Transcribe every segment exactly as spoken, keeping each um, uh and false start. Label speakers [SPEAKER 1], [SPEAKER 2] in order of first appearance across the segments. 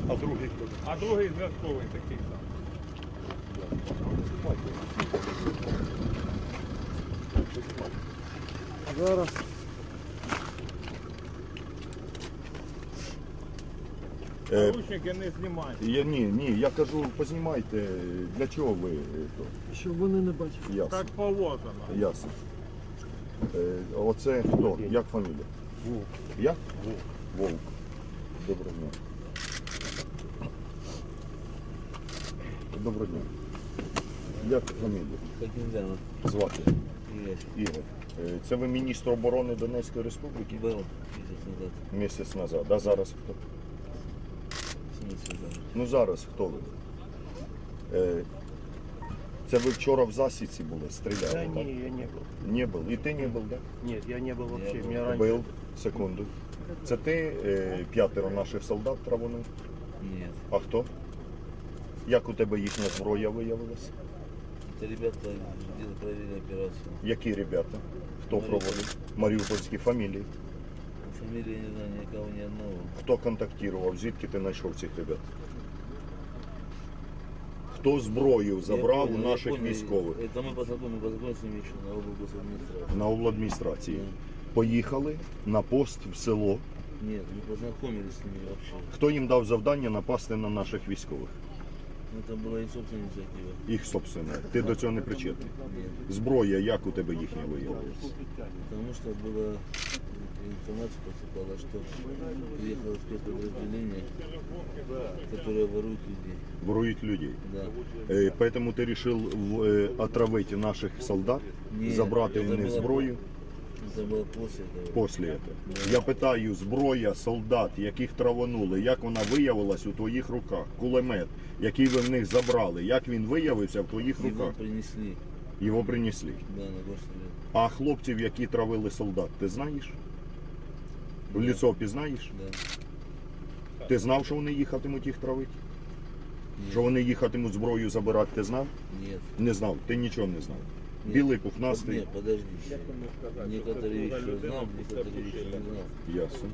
[SPEAKER 1] А другий хто?
[SPEAKER 2] А другий зв'язковий такий сам.
[SPEAKER 1] Зараз.
[SPEAKER 3] Е,
[SPEAKER 2] Наручники не знімають.
[SPEAKER 3] я, ні, ні, я кажу, познімайте, для чого ви? е, то?
[SPEAKER 1] Щоб вони не бачили.
[SPEAKER 3] Ясно.
[SPEAKER 2] Так положено.
[SPEAKER 3] Ясно. Е, оце хто? Як фамілія?
[SPEAKER 1] Вовк.
[SPEAKER 3] Як? Вовк. Доброго дня. Доброго дня. Як фамілія?
[SPEAKER 4] Хакимзяна.
[SPEAKER 3] Звати?
[SPEAKER 4] Игорь.
[SPEAKER 3] Ігор. Е, Це ви міністр оборони Донецької Республіки?
[SPEAKER 4] Был месяц назад.
[SPEAKER 3] Місяць назад. А зараз хто?
[SPEAKER 4] Месяц назад.
[SPEAKER 3] Ну зараз хто ви? Е, Це ви вчора в засідці були, стріляли?
[SPEAKER 1] Да
[SPEAKER 3] так?
[SPEAKER 1] не, я не был.
[SPEAKER 3] Не був. І ти не був, так?
[SPEAKER 1] Нет, я не был вообще.
[SPEAKER 4] был.
[SPEAKER 1] Меня раньше...
[SPEAKER 3] Був. Секунду. Це ти е, п'ятеро наших солдат травонув?
[SPEAKER 4] Нет.
[SPEAKER 3] А хто? Як у тебе їхня зброя виявилася?
[SPEAKER 4] Это ребята делали, провели операцию.
[SPEAKER 3] Які ребята? Хто
[SPEAKER 4] Маріуполь.
[SPEAKER 3] проводив? Маріупольські фамілії.
[SPEAKER 4] Фамилии не знаю никого, ни одного.
[SPEAKER 3] Хто контактував? Звідки ти знайшов цих ребят? Хто зброю забрав
[SPEAKER 4] Я
[SPEAKER 3] у
[SPEAKER 4] понял, я
[SPEAKER 3] наших
[SPEAKER 4] понял.
[SPEAKER 3] військових?
[SPEAKER 4] Это мы познакомились, познакомились с ними еще на облгосадминистрации.
[SPEAKER 3] На обладміністрації.
[SPEAKER 4] Да.
[SPEAKER 3] Поїхали на пост в село.
[SPEAKER 4] Нет, мы познакомились с ними вообще.
[SPEAKER 3] Хто їм дав завдання напасти на наших військових?
[SPEAKER 4] Это была их собственная инициатива.
[SPEAKER 3] Їх собственне. Ти до цього не причетний.
[SPEAKER 4] Нет.
[SPEAKER 3] Зброя, як у тебе їхня виявилася?
[SPEAKER 4] Потому что была информация поступала, что приехало спецподразделение, которое ворует людей.
[SPEAKER 3] Ворують людей.
[SPEAKER 4] Да.
[SPEAKER 3] Е, Поэтому ти вирішив е, отравити наших солдат,
[SPEAKER 4] Ні,
[SPEAKER 3] забрати
[SPEAKER 4] це
[SPEAKER 3] у них
[SPEAKER 4] було
[SPEAKER 3] зброю.
[SPEAKER 4] Это было после этого.
[SPEAKER 3] Після цього. Я питаю, зброя солдат, яких травонули, як вона виявилась у твоїх руках? Кулемет, який ви в них забрали, як він виявився в твоїх
[SPEAKER 4] Его
[SPEAKER 3] руках?
[SPEAKER 4] принесли,
[SPEAKER 3] Його принесли.
[SPEAKER 4] да, на горсовет.
[SPEAKER 3] А хлопців, які травили солдат, ти знаєш? В лицо пізнаєш?
[SPEAKER 4] Да.
[SPEAKER 3] Ти знав, що вони їхатимуть їх травити? Що вони їхатимуть зброю забирати, ти знав?
[SPEAKER 4] Нет.
[SPEAKER 3] Не знав, ти нічого не знав.
[SPEAKER 4] Нет.
[SPEAKER 3] Білий, пухнастий.
[SPEAKER 4] Нет, подожди. Некоторые вещи я знал, некоторые вещи не знал.
[SPEAKER 3] Ясно.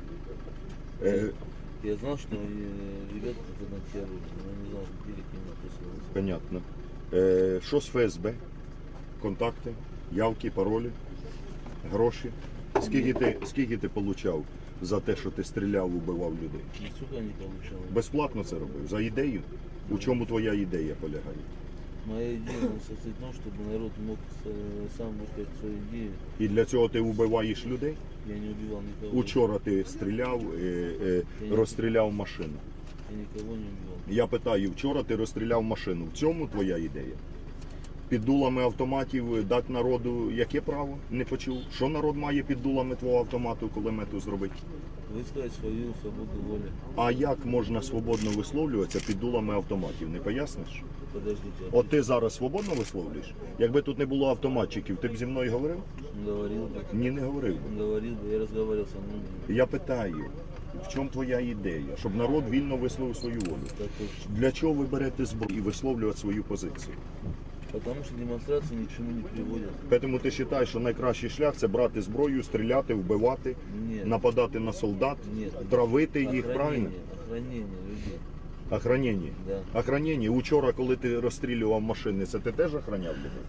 [SPEAKER 3] Е,
[SPEAKER 4] Я знал, что э, ребята это на террор, но не знал, где к ним присылался.
[SPEAKER 3] понятно. Е, що з Ф С Б? Контакти, явки, паролі, гроші. Скільки ти, скільки ти получав за те, що ти стріляв, убивав людей?
[SPEAKER 4] Нисколько не получал.
[SPEAKER 3] Безплатно це робив? За ідею? У чому твоя ідея полягає?
[SPEAKER 4] Моя идея состоит в том, чтобы народ мог э, сам высказать свою идею.
[SPEAKER 3] І для цього ти вбиваєш людей?
[SPEAKER 4] Я не убивал никого.
[SPEAKER 3] Учора ти стріляв, е, е, розстріляв машину.
[SPEAKER 4] Я никого не убивал.
[SPEAKER 3] Я питаю, вчора ти розстріляв машину. В цьому твоя ідея? Під дулами автоматів дати народу яке право? Не почув. Що народ має під дулами твого автомату, кулемету зробити?
[SPEAKER 4] Высказать свою свободу воли.
[SPEAKER 3] А як можна свободно висловлюватися під дулами автоматів? Не поясниш?
[SPEAKER 4] Подождите. а
[SPEAKER 3] От ти зараз свободно висловлюєш? Якби тут не було автоматчиків, ти б зі мною говорив?
[SPEAKER 4] Он говорил бы.
[SPEAKER 3] Ні, не говорив би.
[SPEAKER 4] Он говорил бы, я разговаривал со мной.
[SPEAKER 3] Я питаю, в чому твоя ідея? Щоб народ вільно висловив свою волю.
[SPEAKER 4] Так точно.
[SPEAKER 3] Для чого ви берете зброю і висловлювати свою позицію?
[SPEAKER 4] Потому что демонстрации ни к чему не приводят.
[SPEAKER 3] Тому ти вважаєш, що найкращий шлях це брати зброю, стріляти, вбивати,
[SPEAKER 4] Нет.
[SPEAKER 3] нападати на солдат,
[SPEAKER 4] Нет.
[SPEAKER 3] травити їх,
[SPEAKER 4] Охранение,
[SPEAKER 3] правильно?
[SPEAKER 4] Охранение людей.
[SPEAKER 3] Охранення.
[SPEAKER 4] Да.
[SPEAKER 3] Охранення. Учора, коли ти розстрілював машини, це ти теж охраняв людей?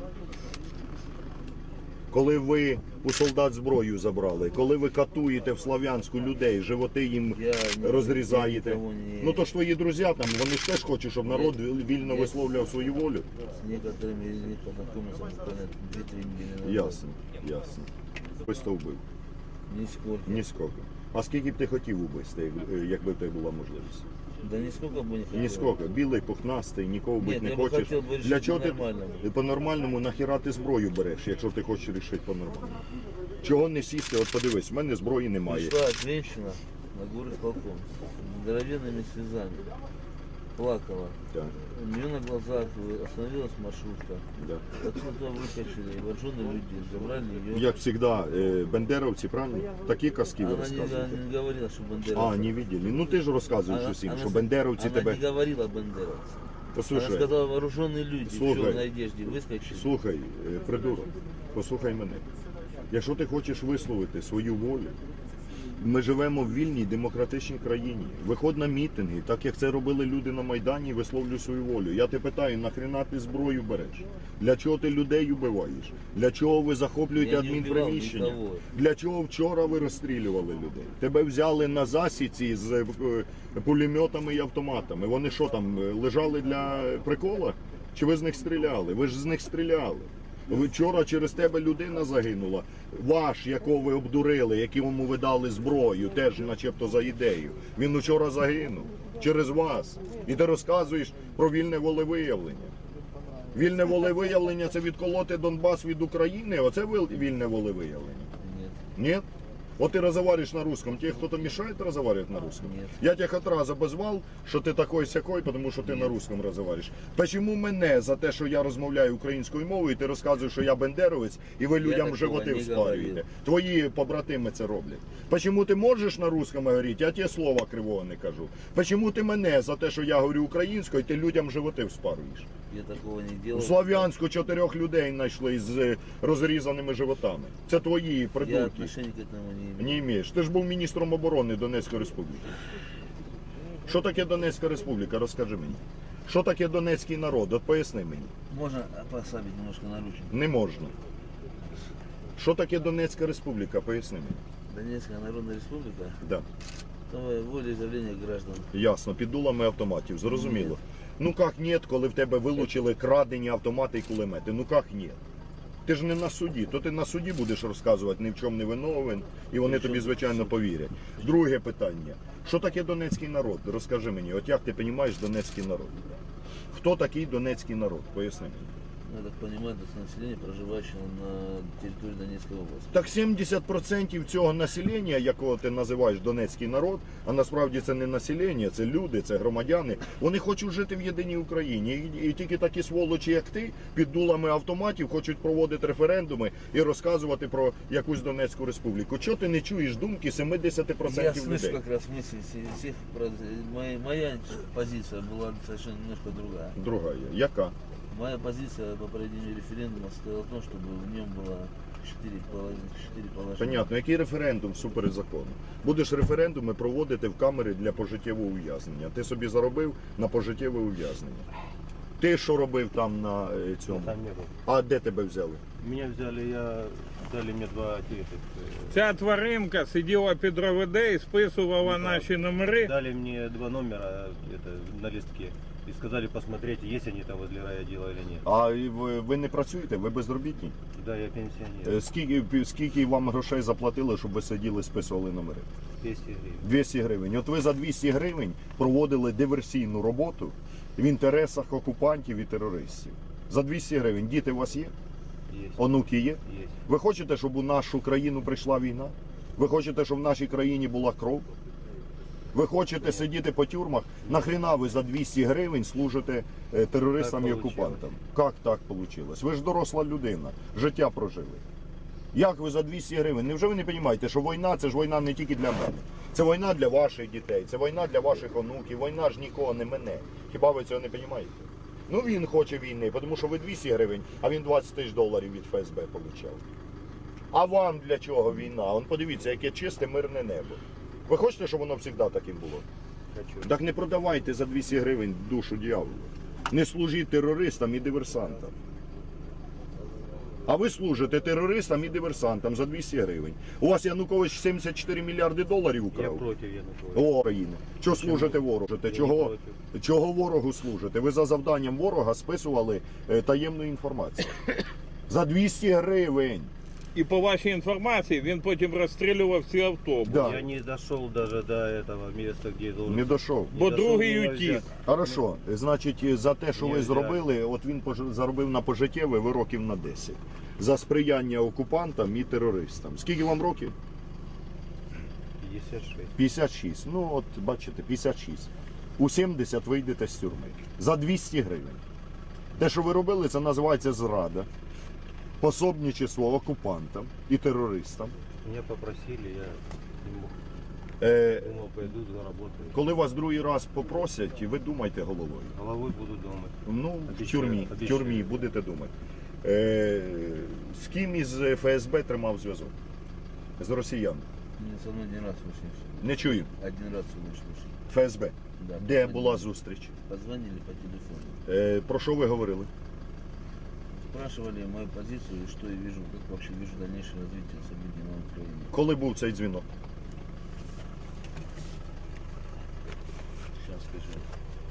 [SPEAKER 3] Коли ви у солдат зброю забрали, коли ви катуєте в Слов'янську людей, животи їм
[SPEAKER 4] Я не-
[SPEAKER 3] розрізаєте.
[SPEAKER 4] я никого не-
[SPEAKER 3] Ну то ж твої друзі там, вони ж теж хочуть, щоб народ вільно
[SPEAKER 4] Є.
[SPEAKER 3] висловлював свою волю.
[SPEAKER 4] С некоторыми из них познакомился буквально две-три недели назад.
[SPEAKER 3] Ясно, ясно. Ось то вбив.
[SPEAKER 4] Нисколько.
[SPEAKER 3] Ніскільки. А скільки б ти хотів убити, якби в тебе була можливість?
[SPEAKER 4] Да нисколько бы не хотел.
[SPEAKER 3] Ніскільки. Білий, пухнастий, нікого бити
[SPEAKER 4] Нет,
[SPEAKER 3] не
[SPEAKER 4] я бы
[SPEAKER 3] хочеш.
[SPEAKER 4] хотел бы решить
[SPEAKER 3] Для чого ти
[SPEAKER 4] по-нормальному.
[SPEAKER 3] по-нормальному нахіра ти зброю береш, якщо ти хочеш рішити по-нормальному? Чого не сісти? От подивись, в мене зброї немає.
[SPEAKER 4] Пришла женщина на горы полком с здоровенными слезами. Плакала.
[SPEAKER 3] Так,
[SPEAKER 4] У нее на глазах остановилась маршрутка.
[SPEAKER 3] да.
[SPEAKER 4] Отсюда выкачали вооруженные люди, забрали ее.
[SPEAKER 3] Як завжди, бендеровці, правильно? Такі казки ви
[SPEAKER 4] Она не,
[SPEAKER 3] розказуєте.
[SPEAKER 4] она не говорила, что Бандера.
[SPEAKER 3] А, не видели. Ну ти ж розказуєш
[SPEAKER 4] Она-
[SPEAKER 3] усім,
[SPEAKER 4] она-
[SPEAKER 3] що бендеровці
[SPEAKER 4] она
[SPEAKER 3] тебе...
[SPEAKER 4] не говорила бандеровцы. Она
[SPEAKER 3] Послухай,
[SPEAKER 4] сказала, вооруженные люди
[SPEAKER 3] Слушай.
[SPEAKER 4] в черной одежде выскочили.
[SPEAKER 3] слухай, е, придурок, послухай мене. Якщо ти хочеш висловити свою волю, Ми живемо в вільній демократичній країні. Виходь на мітинги, так як це робили люди на Майдані, висловлюй свою волю. Я тебе питаю, нахрена ти зброю береш? Для чого ти людей убиваєш? Для чого ви захоплюєте
[SPEAKER 4] Я не вбивав
[SPEAKER 3] адмінприміщення?
[SPEAKER 4] нікого.
[SPEAKER 3] Для чого вчора ви розстрілювали людей? Тебе взяли на засіці з е, пулеметами і автоматами. Вони що там, е, лежали для прикола? Чи ви з них стріляли? Ви ж з них стріляли. Ви вчора через тебе людина загинула. Ваш, якого ви обдурили, якому ви дали зброю, теж начебто за ідею. Він вчора загинув через вас. І ти розказуєш про вільне волевиявлення. Вільне волевиявлення – це відколоти Донбас від України? Оце вільне волевиявлення?
[SPEAKER 4] Нет.
[SPEAKER 3] Нет? Вот ты разговариваешь на русском, тебе кто-то мешает разговаривать на русском?
[SPEAKER 4] Нет.
[SPEAKER 3] Я тебя хоть раз обозвал, що ти такой-сякой, тому що ти на русском розмовляєш. Почему мене за те, що я розмовляю українською мовою, ти розказуєш, що я бендеровець, і ви людям
[SPEAKER 4] такого
[SPEAKER 3] животи
[SPEAKER 4] не
[SPEAKER 3] вспарюєте?
[SPEAKER 4] говорив.
[SPEAKER 3] Твої побратими це роблять. Почему ти можеш на русском говорити, я тебе слова кривого не кажу? Почему ти мене за те, що я говорю українською, ти людям животи вспарюєш?
[SPEAKER 4] Я такого не
[SPEAKER 3] У
[SPEAKER 4] делал.
[SPEAKER 3] Слов'янську чотирьох людей знайшли з розрізаними животами. Це твої
[SPEAKER 4] Я
[SPEAKER 3] придурки.
[SPEAKER 4] отношения к этому не имею.
[SPEAKER 3] Не імеєш. Ти ж був міністром оборони Донецької Республіки. Що таке Донецька Республіка? Розкажи мені. Що таке донецький народ? От поясни мені.
[SPEAKER 4] Можно послабить немножко наручник?
[SPEAKER 3] Не можна. Що таке Донецька Республіка? Поясни мені.
[SPEAKER 4] Донецкая Народная Республика.
[SPEAKER 3] Да.
[SPEAKER 4] Это волеизъявление граждан.
[SPEAKER 3] Ясно, під дулами автоматів, зрозуміло. Ну як ні, коли в тебе вилучили крадені автомати і кулемети? Ну як ні? Ти ж не на суді, то ти на суді будеш розказувати, ні в чому не виновен, і вони тобі, звичайно, повірять. Друге питання. Що таке донецький народ? Розкажи мені, от як ти розумієш донецький народ? Хто такий донецький народ? Поясни мені.
[SPEAKER 4] Я так понимаю, это население, проживающее на территории Донецкой области.
[SPEAKER 3] Так сімдесят відсотків цього населення, якого ти називаєш донецький народ, а насправді це не населення, це люди, це громадяни, вони хочуть жити в єдиній Україні. І, і тільки такі сволочі, як ти, під дулами автоматів хочуть проводити референдуми і розказувати про якусь Донецьку республіку. Чого ти не чуєш думки сімдесят
[SPEAKER 4] Я
[SPEAKER 3] відсотків
[SPEAKER 4] слышу
[SPEAKER 3] людей?
[SPEAKER 4] как раз вместе с- всех, про- моя, моя позиция была совершенно немножко другая.
[SPEAKER 3] Друга є. Яка?
[SPEAKER 4] Моя позиция по проведению референдума состояла в том, чтобы в нем было четыре положения. четыре положения.
[SPEAKER 3] Понятно, який референдум всупереч закону? Будеш референдуми проводити в камери для пожиттєвого ув'язнення. Ти собі заробив на пожиттєве ув'язнення. Ти що робив там на е, цьому?
[SPEAKER 1] Там не был.
[SPEAKER 3] А де тебе взяли?
[SPEAKER 1] Меня взяли, я дали мне два этих, э,
[SPEAKER 2] Ця тваринка сиділа під РОВД і списувала
[SPEAKER 1] Ну,
[SPEAKER 2] наші номери.
[SPEAKER 1] дали мне два номера это, на листке и сказали посмотреть, есть они там возле райотдела или нет.
[SPEAKER 3] А і ви, ви не працюєте? Ви безробітні?
[SPEAKER 1] Да, я пенсионер.
[SPEAKER 3] Е, Скільки, скільки вам грошей заплатили, щоб ви сиділи, списували номери?
[SPEAKER 1] двести гривен.
[SPEAKER 3] двісті гривень. От ви за двісті гривень проводили диверсійну роботу в інтересах окупантів і терористів. За двісті гривень. Діти у вас є?
[SPEAKER 1] Есть.
[SPEAKER 3] Онуки є?
[SPEAKER 1] Есть.
[SPEAKER 3] Ви хочете, щоб у нашу країну прийшла війна? Ви хочете, щоб в нашій країні була кров? Ви хочете сидіти по тюрмах? Нахрена ви за двісті гривень служите е, терористам
[SPEAKER 1] Так
[SPEAKER 3] і
[SPEAKER 1] получилось.
[SPEAKER 3] окупантам? Як так вийшло? Ви ж доросла людина, життя прожили. Як ви за двісті гривень? Невже ви не розумієте, що війна – це ж війна не тільки для мене. Це війна для ваших дітей, це війна для ваших онуків, війна ж нікого не мене. Хіба ви цього не розумієте? Ну він хоче війни, тому що ви двісті гривень, а він двадцять тисяч доларів від ФСБ отримав. А вам для чого війна? Он подивіться, яке чисте мирне небо. Ви хочете, щоб воно завжди таким було?
[SPEAKER 1] Хочу.
[SPEAKER 3] Так не продавайте за двісті гривень душу дьяволу. Не служіть терористам і диверсантам. А ви служите терористам і диверсантам за двісті гривень. У вас Янукович сімдесят чотири мільярди доларів
[SPEAKER 1] Я
[SPEAKER 3] украв.
[SPEAKER 1] против Януковича.
[SPEAKER 3] О, країни. Чого служите ворогу?
[SPEAKER 1] Я не
[SPEAKER 3] Чого,
[SPEAKER 1] проти.
[SPEAKER 3] чого ворогу служите? Ви за завданням ворога списували е, таємну інформацію. За двісті гривень.
[SPEAKER 2] І по вашій інформації він потім розстрілював ці автобуси.
[SPEAKER 3] Да.
[SPEAKER 1] Я не дошел даже до этого места, где должен.
[SPEAKER 3] Не дошов.
[SPEAKER 1] Не
[SPEAKER 2] Бо
[SPEAKER 1] дошел,
[SPEAKER 2] другий
[SPEAKER 1] меня
[SPEAKER 2] утік.
[SPEAKER 1] взяли.
[SPEAKER 3] Хорошо, значить, за те, що
[SPEAKER 1] Ні,
[SPEAKER 3] ви
[SPEAKER 1] я-
[SPEAKER 3] зробили, от він пож- заробив на пожиттєве, ви років на десять. За сприяння окупантам і терористам. Скільки вам років?
[SPEAKER 1] пятьдесят шесть.
[SPEAKER 3] п'ятдесят шість. Ну, от бачите, п'ятдесят шість. У сімдесят вийдете з тюрми. За двісті гривень. Те, що ви робили, це називається зрада. Пособничество окупантам і терористам.
[SPEAKER 1] Меня попросили, я не мог.
[SPEAKER 3] Е,
[SPEAKER 1] Думал, пойду заработаю.
[SPEAKER 3] коли вас другий раз попросять, ви думайте головою.
[SPEAKER 1] Головой буду думать.
[SPEAKER 3] Ну, в
[SPEAKER 1] Обіцяю,
[SPEAKER 3] тюрмі, в
[SPEAKER 1] обіцяю.
[SPEAKER 3] тюрмі будете думати. Е, з ким із ФСБ тримав зв'язок? З росіян.
[SPEAKER 4] Мне со мной один раз вышли.
[SPEAKER 3] Не чую.
[SPEAKER 4] Один раз всего лишь вышли.
[SPEAKER 3] Ф С Б.
[SPEAKER 4] Да,
[SPEAKER 3] Де
[SPEAKER 4] позвонили.
[SPEAKER 3] була зустріч?
[SPEAKER 4] Позвонили по телефону.
[SPEAKER 3] Е, про що ви говорили?
[SPEAKER 4] Спрашивали мою позицию, и что я вижу, как вообще вижу дальнейшее развитие событий на Украине.
[SPEAKER 3] Коли був цей дзвінок?
[SPEAKER 4] Сейчас скажу.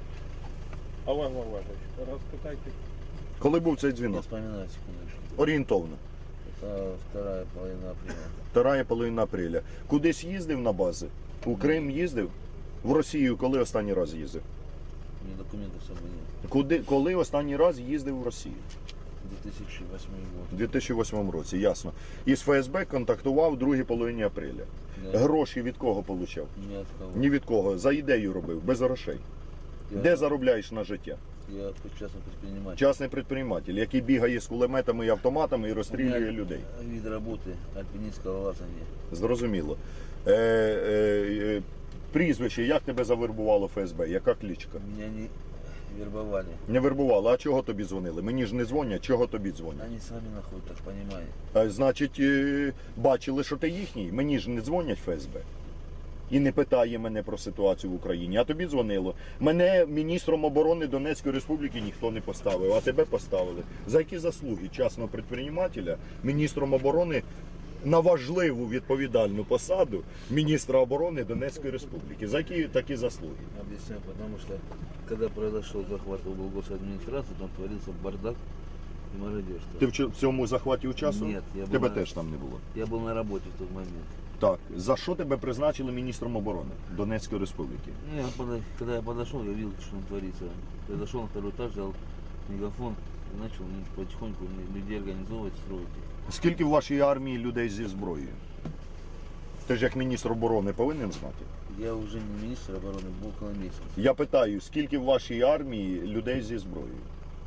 [SPEAKER 2] Олег Валерійович, розпитайте.
[SPEAKER 3] Коли був цей
[SPEAKER 4] Не
[SPEAKER 3] дзвінок?
[SPEAKER 4] вспоминаю секундочку.
[SPEAKER 3] Орієнтовно.
[SPEAKER 4] Это вторая половина апреля.
[SPEAKER 3] Вторая половина апреля. Кудись їздив на бази? У Крим їздив? В Росію коли останній раз їздив?
[SPEAKER 4] У меня документов с собой нет.
[SPEAKER 3] Куди, коли останній раз їздив в Росію?
[SPEAKER 4] две тысячи восьмой
[SPEAKER 3] У
[SPEAKER 4] год.
[SPEAKER 3] дві тисячі восьмому році, ясно. Із Ф С Б контактував в другій половині апреля.
[SPEAKER 4] Да.
[SPEAKER 3] Гроші від кого получав?
[SPEAKER 4] Ни от кого.
[SPEAKER 3] Ні від кого. За ідею робив, без грошей.
[SPEAKER 4] Я,
[SPEAKER 3] Де заробляєш на життя?
[SPEAKER 4] я частный предприниматель.
[SPEAKER 3] Частний предприниматель, який бігає з кулеметами і автоматами і
[SPEAKER 4] У
[SPEAKER 3] розстрілює
[SPEAKER 4] меня
[SPEAKER 3] людей.
[SPEAKER 4] вид работы альпинистского лазания.
[SPEAKER 3] Зрозуміло. Е, е, е, прізвище, як тебе завербувало Ф С Б? Яка кличка?
[SPEAKER 4] Меня не вербовали.
[SPEAKER 3] Не вербувало, а чого тобі дзвонили? Мені ж не дзвонять, чого тобі дзвонять?
[SPEAKER 4] Они сами находят, так понимаете.
[SPEAKER 3] А, значить, е, бачили, що ти їхній. Мені ж не дзвонять Ф С Б. І не питає мене про ситуацію в Україні. А тобі дзвонило. Мене міністром оборони Донецької Республіки ніхто не поставив, а тебе поставили. За які заслуги частного предпринимателя міністром оборони на важливу відповідальну посаду міністра оборони Донецької Республіки? За які такі заслуги?
[SPEAKER 4] Объясняю, потому что когда произошел захват облгосадминистрации, там творился бардак и мародерство.
[SPEAKER 3] Ти в чо- в цьому захваті участвував?
[SPEAKER 4] Ні, я був
[SPEAKER 3] Тебе
[SPEAKER 4] на-
[SPEAKER 3] теж там не було.
[SPEAKER 4] Я был на работе в тот момент.
[SPEAKER 3] Так, за що тебе призначили міністром оборони Донецької Республіки?
[SPEAKER 4] Ну, я подо- Когда я подошел, я видел, что там творится. Подошел на второй этаж, взял мегафон и начал ну, потихоньку людей организовывать, строить.
[SPEAKER 3] Скільки в вашій армії людей зі зброєю? Ти ж як міністр оборони повинен знати.
[SPEAKER 4] Я уже не министр обороны, был около месяца.
[SPEAKER 3] Я питаю, скільки в вашій армії людей зі зброєю?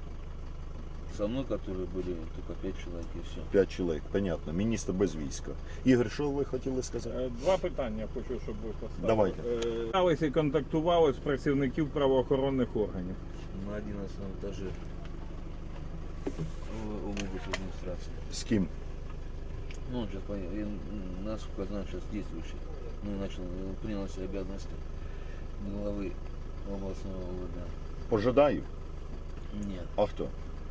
[SPEAKER 4] Со мной, которые были, только пять человек и все.
[SPEAKER 3] П'ять чоловік, понятно. Міністр без війська. Ігор, що ви хотіли сказати?
[SPEAKER 2] Е, Два питання хочу, щоб ви поставили.
[SPEAKER 3] Давайте.
[SPEAKER 2] Е, Сталися і контактували з працівників правоохоронних органів.
[SPEAKER 4] На одиннадцатом этаже облгосадминистрации.
[SPEAKER 3] З ким?
[SPEAKER 4] Ну, он сейчас, понял, я, м, насколько знаю, сейчас действующий. Ну, начал, э, принял на себя обязанности главы областного О В Д.
[SPEAKER 3] Пожидаю.
[SPEAKER 4] Нет,
[SPEAKER 3] А хто?
[SPEAKER 4] это,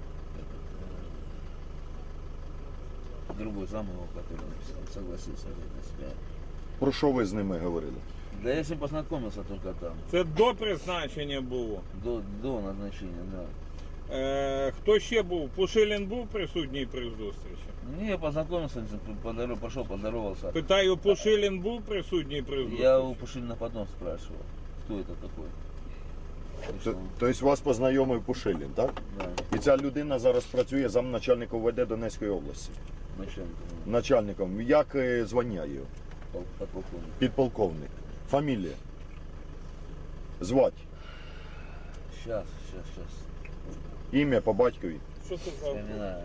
[SPEAKER 4] э, другой зам его, который написал, согласился взять на себя.
[SPEAKER 3] Про що ви з ними говорили?
[SPEAKER 4] Да я с ним познакомился только там,
[SPEAKER 2] Це до призначення було.
[SPEAKER 4] до, до назначения, да.
[SPEAKER 2] Е, Хто ще був? Пушилін був присутній при зустрічі?
[SPEAKER 4] Не, я познакомился, по дороге пошел, поздоровался.
[SPEAKER 2] Питаю, Пушилін був присутній при зустрічі?
[SPEAKER 4] Я у Пушилина потом спрашивал, кто это такой.
[SPEAKER 3] Т-
[SPEAKER 4] Пришел.
[SPEAKER 3] Тобто вас познайомив Пушилін, так?
[SPEAKER 4] Да,
[SPEAKER 3] І ця людина зараз працює замначальника О В Д Донецької області.
[SPEAKER 4] начальник, ну,
[SPEAKER 3] Начальником. Як е, звання його?
[SPEAKER 4] пол- подполковник.
[SPEAKER 3] Підполковник. Фамілія. Звать.
[SPEAKER 4] Сейчас, сейчас, сейчас.
[SPEAKER 3] Ім'я по батькові.
[SPEAKER 2] Що це за...
[SPEAKER 4] Вспоминаю.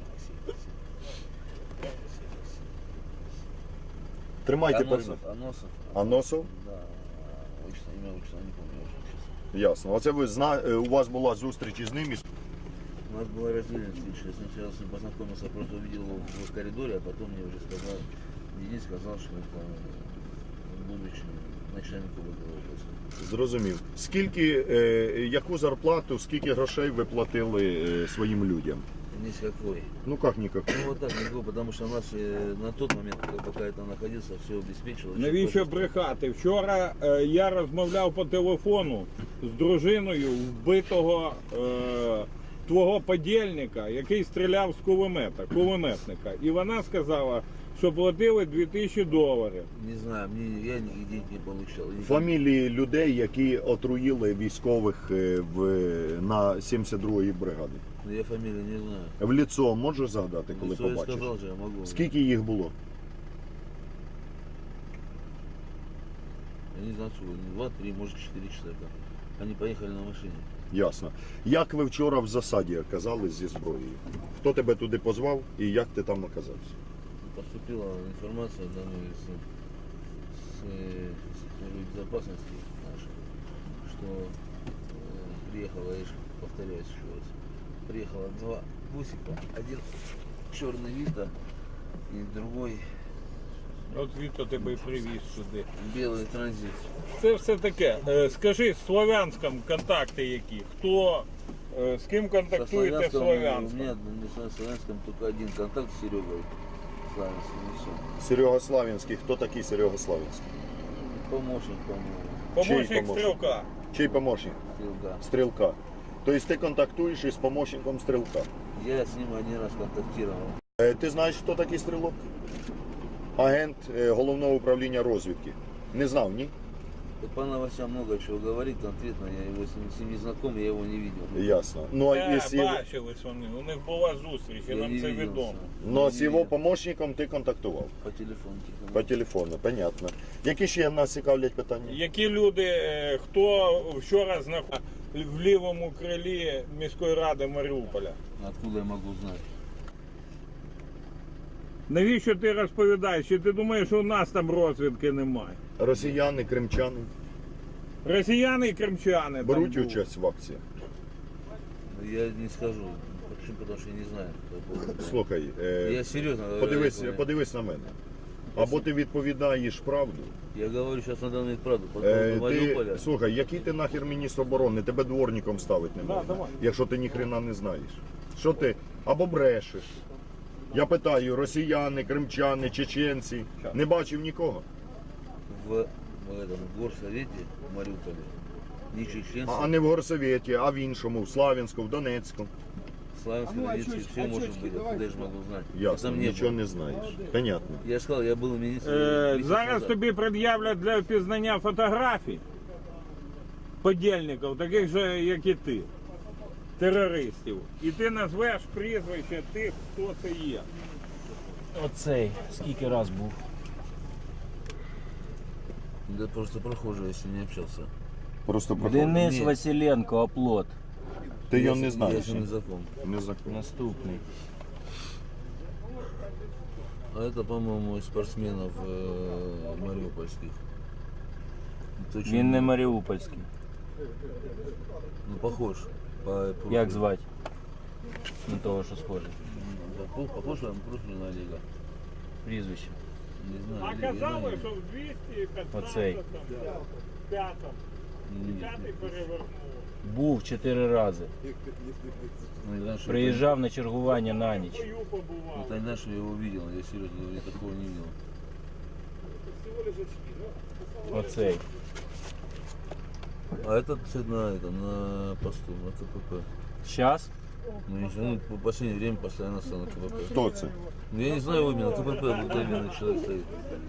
[SPEAKER 3] Тримайте перед.
[SPEAKER 4] Аносов, Аносов.
[SPEAKER 3] Аносов?
[SPEAKER 4] Да, отчество, имя, отчество, не помню уже сейчас.
[SPEAKER 3] Ясно. Оце ви зна... е, у вас була зустріч із ним. і-
[SPEAKER 4] У нас была разделена встреча. Я сначала с ним познакомился, просто увидел его в коридоре, а потом мне уже сказал, Денис сказал, что это он будущий начальник области.
[SPEAKER 3] Зрозумів. Скільки, е, яку зарплату, скільки грошей ви платили е, своїм людям?
[SPEAKER 4] Ни с какой.
[SPEAKER 3] Ну як ніяк?
[SPEAKER 4] Ну вот так, никакой, потому что у нас э, на тот момент, когда- пока я там находился, все обеспечилось.
[SPEAKER 2] Навіщо брехати? Вчора е, я розмовляв по телефону з дружиною вбитого е, твого подільника, який стріляв з кулемета, кулеметника. І вона сказала, що платили дві тисячі доларів.
[SPEAKER 4] Не знаю, мне, я ни денег не получал. Я-
[SPEAKER 3] Фамілії людей, які отруїли військових е, в, на сімдесят другій бригаді.
[SPEAKER 4] Но я фамилию не знаю.
[SPEAKER 3] В ліцо можеш згадати, коли
[SPEAKER 4] Лицо я
[SPEAKER 3] побачиш?
[SPEAKER 4] сказал же, я могу.
[SPEAKER 3] Скільки їх було?
[SPEAKER 4] Я не знаю, сколько, два, три, может, четыре человека. Они поехали на машине.
[SPEAKER 3] Ясно. Як ви вчора в засаді оказались зі зброєю? Хто тебе туди позвав і як ти там оказався?
[SPEAKER 4] Поступила информация данной с, с, э, службы безопасности нашей, что э, приехала, я ж повторяюсь еще раз, приехало два бусика, один черный Вита и другой
[SPEAKER 2] От звідти тебе і привіз сюди.
[SPEAKER 4] Белый транзит.
[SPEAKER 2] Це все таке. Е, Скажи, з Слов'янськом контакти які? Хто, е, з ким
[SPEAKER 4] Со
[SPEAKER 2] контактуєте в
[SPEAKER 4] Славянском, у
[SPEAKER 2] Слов'янськом?
[SPEAKER 4] меня не со Славянском только один контакт с Серегой. Славянским, и все.
[SPEAKER 3] Серега Славінський. Хто такий Серега Славінський?
[SPEAKER 4] Помощник, по-моему.
[SPEAKER 2] Помощник
[SPEAKER 3] Чий помощник?
[SPEAKER 2] стрілка.
[SPEAKER 3] Чий помощник?
[SPEAKER 4] Стрелка.
[SPEAKER 3] Стрілка. Тобто ти контактуєш із помощником стрілка.
[SPEAKER 4] Я с ним один раз контактировал.
[SPEAKER 3] Е, Ти знаєш, хто такий стрілок? Агент е, головного управління розвідки. Не знав, ні?
[SPEAKER 4] По новостям много чего говорит конкретно. Я его с ним, с ним не знаком, я его не видел.
[SPEAKER 3] Ясно. Ну, а
[SPEAKER 2] Е,
[SPEAKER 3] із його,
[SPEAKER 2] бачились вони, у них була зустріч, і
[SPEAKER 4] Я
[SPEAKER 2] нам
[SPEAKER 4] не
[SPEAKER 2] це
[SPEAKER 4] виделся.
[SPEAKER 2] відомо.
[SPEAKER 3] ну,
[SPEAKER 4] Не
[SPEAKER 3] з його
[SPEAKER 4] видел.
[SPEAKER 3] помощником ти контактував.
[SPEAKER 4] По телефону. типа.
[SPEAKER 3] По телефону, понятно. Які ще нас цікавлять питання?
[SPEAKER 2] Які люди, е, хто вчора знаходився в лівому крилі міської ради Маріуполя?
[SPEAKER 4] Откуда я могу знать?
[SPEAKER 2] Навіщо ти розповідаєш? Чи ти думаєш, що у нас там розвідки немає?
[SPEAKER 3] Росіяни, кримчани
[SPEAKER 2] Росіяни і кримчани там
[SPEAKER 3] беруть
[SPEAKER 2] були.
[SPEAKER 3] участь в акції?
[SPEAKER 4] Я не скажу. Почему? Потому что я не знаю. по поводу.
[SPEAKER 3] Слухай, е,
[SPEAKER 4] Я серьезно говорю.
[SPEAKER 3] подивись,
[SPEAKER 4] я-
[SPEAKER 3] подивись на мене. Або ти відповідаєш правду.
[SPEAKER 4] Я говорю сейчас на данный правду. По
[SPEAKER 3] Е,
[SPEAKER 4] поводу
[SPEAKER 3] ти,
[SPEAKER 4] Мариуполя.
[SPEAKER 3] слухай, який ти нахер міністр оборони? Тебе дворником ставити не
[SPEAKER 2] Да,
[SPEAKER 3] можна,
[SPEAKER 2] давай.
[SPEAKER 3] якщо ти ніхрена не знаєш. Що ти? Або брешеш. Я питаю, росіяни, кримчани, чеченці. Не бачив нікого.
[SPEAKER 4] В, в этом горсовете в Мариуполе ни чеченцев,
[SPEAKER 3] А, а не в горсовєті, а в іншому, в Славянську, в Донецьку.
[SPEAKER 4] славянских, донецких, все может быть. Откуда я же могу знать?
[SPEAKER 3] Ясно,
[SPEAKER 4] Там не
[SPEAKER 3] нічого
[SPEAKER 4] было.
[SPEAKER 3] не знаєш. Понятно.
[SPEAKER 4] Я же сказал, я был министром.
[SPEAKER 2] Е,
[SPEAKER 4] месяц
[SPEAKER 2] зараз
[SPEAKER 4] назад.
[SPEAKER 2] тобі пред'являть для впізнання фотографій подільників, таких же, як і ти, терористів. І ти назвеш прізвище тих, хто це є.
[SPEAKER 5] Оцей, скільки раз був.
[SPEAKER 4] Да просто прохожий, если не общался.
[SPEAKER 3] Просто
[SPEAKER 5] Денис
[SPEAKER 4] Ні.
[SPEAKER 5] Василенко, оплот.
[SPEAKER 3] Ти його
[SPEAKER 4] Я
[SPEAKER 3] не
[SPEAKER 4] с-
[SPEAKER 3] знаєш.
[SPEAKER 4] Я с ним не знаком.
[SPEAKER 3] Не знаком.
[SPEAKER 5] Наступний.
[SPEAKER 4] А это, по-моему, из спортсменов э, мариупольских. Точно
[SPEAKER 5] Він не маріупольський.
[SPEAKER 4] Ну, похож. По, по-
[SPEAKER 5] Як звати? На того, що схоже.
[SPEAKER 4] Похож, похож на профиль на Олега.
[SPEAKER 5] Прізвище.
[SPEAKER 4] Не знаю.
[SPEAKER 2] А
[SPEAKER 4] Олега, я
[SPEAKER 2] казали,
[SPEAKER 4] знаю.
[SPEAKER 2] що в двісті
[SPEAKER 5] Оцей.
[SPEAKER 2] п'ятнадцятому, п'ятому,
[SPEAKER 4] Нет,
[SPEAKER 2] п'ятий
[SPEAKER 4] нет.
[SPEAKER 2] перевернуло.
[SPEAKER 5] Був чотири рази.
[SPEAKER 4] Ну, не знаю, что
[SPEAKER 5] Приїжджав на чергування на ніч.
[SPEAKER 2] Бою побував.
[SPEAKER 4] Это, это не знаю, что я его видел. Я серьезно говорю, я такого не видел.
[SPEAKER 5] Оцей.
[SPEAKER 4] А этот кстати, на этом, на посту, на КПП.
[SPEAKER 5] Щас?
[SPEAKER 4] Ну, не знаю, ну, по последнее время постоянно стал на КПП.
[SPEAKER 3] Хто це?
[SPEAKER 4] Ну, я не знаю его именно, КПП обыкновенный человек стоит.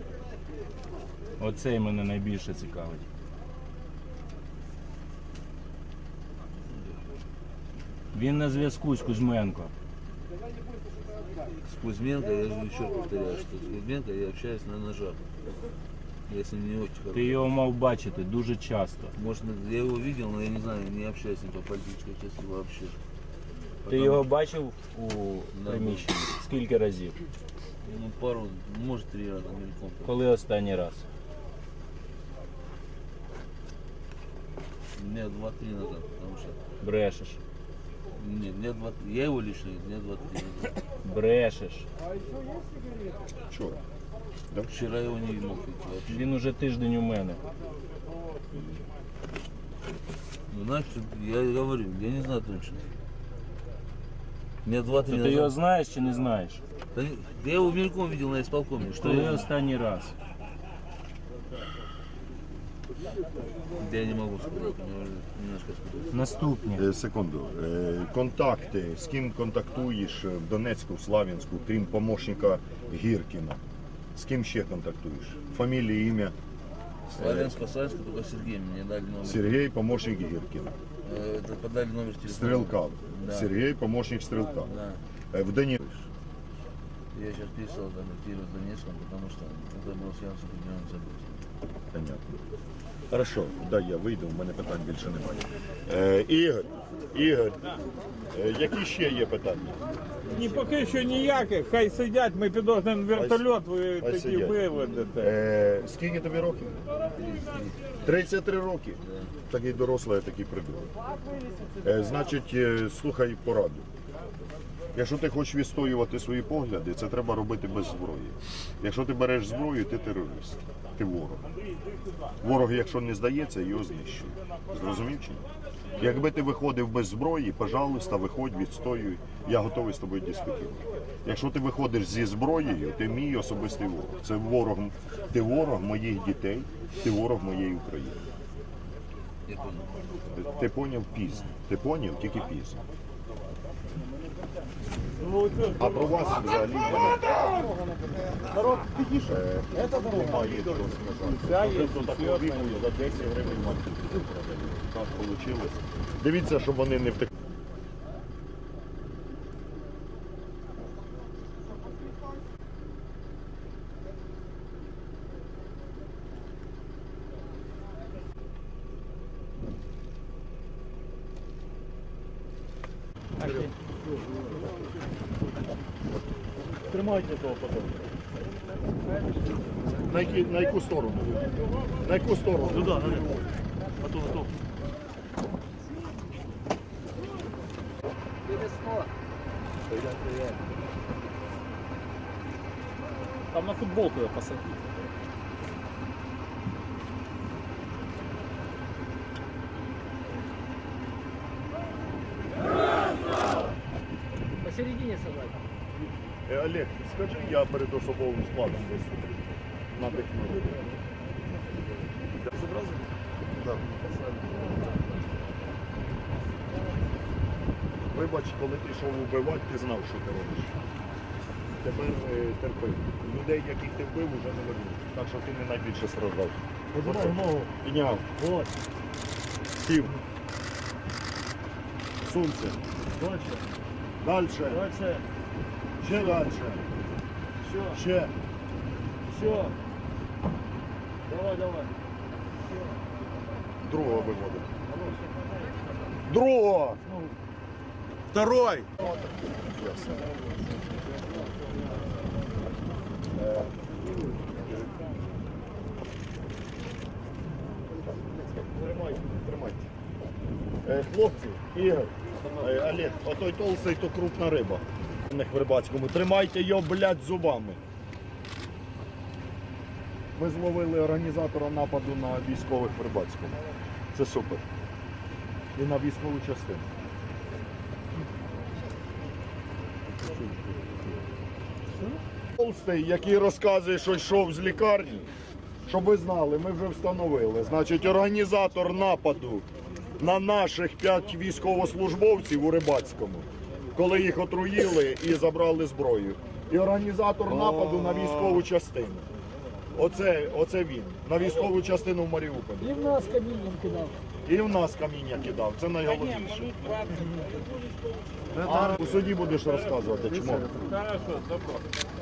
[SPEAKER 5] Оцей мене найбільше цікавить. Він на зв'язку з Кузьменко.
[SPEAKER 4] С Кузьменко, я же еще повторяю, что с Кузьменко я общаюсь на ножах. Я с ним не очень
[SPEAKER 5] Ти
[SPEAKER 4] хорошо.
[SPEAKER 5] його мав бачити дуже часто.
[SPEAKER 4] Может, я его видел, но я не знаю, не общаюсь с ним по политической части вообще.
[SPEAKER 5] Ти
[SPEAKER 4] Потому-
[SPEAKER 5] його бачив у
[SPEAKER 4] Да.
[SPEAKER 5] приміщенні? Скільки разів?
[SPEAKER 4] Ну, пару, может, три раза мельком.
[SPEAKER 5] Коли останній раз?
[SPEAKER 4] Дня два-три назад, потому что...
[SPEAKER 5] Брешеш.
[SPEAKER 4] Нет, дня два... Я его лично, дня два-три назад.
[SPEAKER 5] Брешеш.
[SPEAKER 3] Вчора.
[SPEAKER 4] Вчера его не мог видеть вообще.
[SPEAKER 5] Він уже тиждень у мене.
[SPEAKER 4] Ну, значит, я говорю, я не знаю точно. Дня два-три
[SPEAKER 5] То ти його
[SPEAKER 4] назад.
[SPEAKER 5] знаєш чи не знаєш?
[SPEAKER 4] Да не- я его мельком видел на исполкоме. Что
[SPEAKER 5] Коли
[SPEAKER 4] я...
[SPEAKER 5] останній раз?
[SPEAKER 4] Да я не могу сказать, мне уже немножко сказать.
[SPEAKER 5] Наступні.
[SPEAKER 3] Е, Секунду. Е, Контакти. З ким контактуєш в Донецьку, в Славянську, крім помощника Гіркіна? З ким ще контактуєш? Фамілія, ім'я?
[SPEAKER 4] Славянск, Славянск, только Сергей мне дали номер.
[SPEAKER 3] Сергій, помощник Гіркіна.
[SPEAKER 4] Э, это подали номер телефона.
[SPEAKER 3] Стрілка.
[SPEAKER 4] Да.
[SPEAKER 3] Сергій, помощник Стрілка.
[SPEAKER 4] Да.
[SPEAKER 3] Е, В Донецьку.
[SPEAKER 4] Я сейчас перестал контактировать с Донецком, потому что это было связано с определенным событием.
[SPEAKER 3] Понятно. Хорошо, дай я вийду, у мене питань більше немає. Е, Ігор, Ігор, е, які ще є питання?
[SPEAKER 2] Ні, поки що ніяких, хай сидять, ми підозрюємо вертольот, ви
[SPEAKER 3] хай
[SPEAKER 2] тоді
[SPEAKER 3] сидять.
[SPEAKER 2] виведете.
[SPEAKER 3] Е, скільки тобі років? тридцять три роки. Такий дорослий, а такий придурок. Е, значить, е, слухай пораду. Якщо ти хочеш відстоювати свої погляди, це треба робити без зброї. Якщо ти береш зброю, ти терорист, ти ворог. Ворог, якщо не здається, його знищує. Зрозумів чи ні? Якби ти виходив без зброї, пожалуйста, виходь, відстоюй, я готовий з тобою дискутувати. Якщо ти виходиш зі зброєю, ти мій особистий ворог. Це ворог, ти ворог моїх дітей, ти ворог моєї України.
[SPEAKER 4] Я понял.
[SPEAKER 3] Ти поняв пізно. Ти поняв тільки пізно. А про вас взагалі народ підійшов. Немає що сказати. До такого віку за десять гривень маркету. Так вийшло. Дивіться, щоб вони не втекли.
[SPEAKER 1] Тримайте того потом.
[SPEAKER 3] На, які, на яку сторону? На яку сторону?
[SPEAKER 1] Туда, наверх. Готов, готов.
[SPEAKER 5] Там на футболку я посадил.
[SPEAKER 6] Посередине собрать.
[SPEAKER 3] Е, Олег, скажи, я перед особовим складом десь надихну. Да. Вибач, коли ти йшов вбивати, ти знав, що ти робиш. Тепер е, терпи. Людей, яких ти вбив, вже не вернуть. Так що ти не найбільше страждав.
[SPEAKER 1] Поднимай ногу.
[SPEAKER 3] Підняв.
[SPEAKER 1] Вот.
[SPEAKER 3] Сів. Сунься.
[SPEAKER 1] Дальше.
[SPEAKER 3] Дальше.
[SPEAKER 1] Дальше.
[SPEAKER 3] Ще дальше.
[SPEAKER 1] Еще.
[SPEAKER 3] Ще.
[SPEAKER 1] Еще. Давай, давай.
[SPEAKER 3] Другого виводить. Другого! Второй! Тримайте, тримайте. Е, Хлопці, Ігор, е, Олег, отой толстий, то крупна риба. В Рибацькому. Тримайте його, блядь, зубами. Ми зловили організатора нападу на військових в Рибацькому. Це супер. І на військову частину. Толстий, який розказує, що йшов з лікарні, щоб ви знали, ми вже встановили. Значить, організатор нападу на наших п'ять військовослужбовців у Рибацькому, коли їх отруїли і забрали зброю. І організатор нападу на військову частину. Оце, оце він. На військову частину в Маріуполі.
[SPEAKER 6] И в нас камінням кидав.
[SPEAKER 3] І в нас каміння кидав. Це найголовніше. А у суді будеш розказувати, чому.
[SPEAKER 2] Хорошо, добро.